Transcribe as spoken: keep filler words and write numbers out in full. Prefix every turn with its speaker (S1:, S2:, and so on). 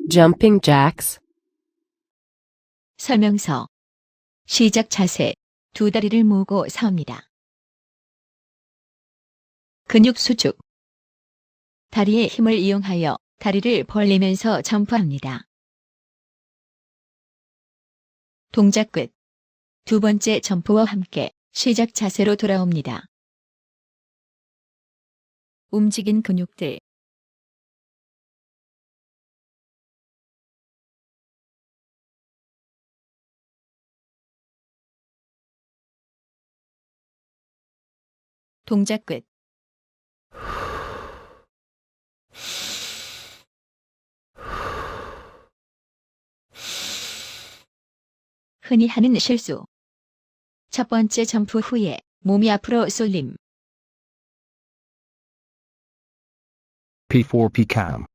S1: Jumping jacks.
S2: 설명서. 시작 자세. 두 다리를 모으고 서옵니다. 근육 수축. 다리의 힘을 이용하여 다리를 벌리면서 점프합니다. 동작 끝. 두 번째 점프와 함께 시작 자세로 돌아옵니다. 움직인 근육들. 동작 끝. 흔히 하는 실수. 첫 번째 점프 후에 몸이 앞으로 쏠림.
S3: P four P cam.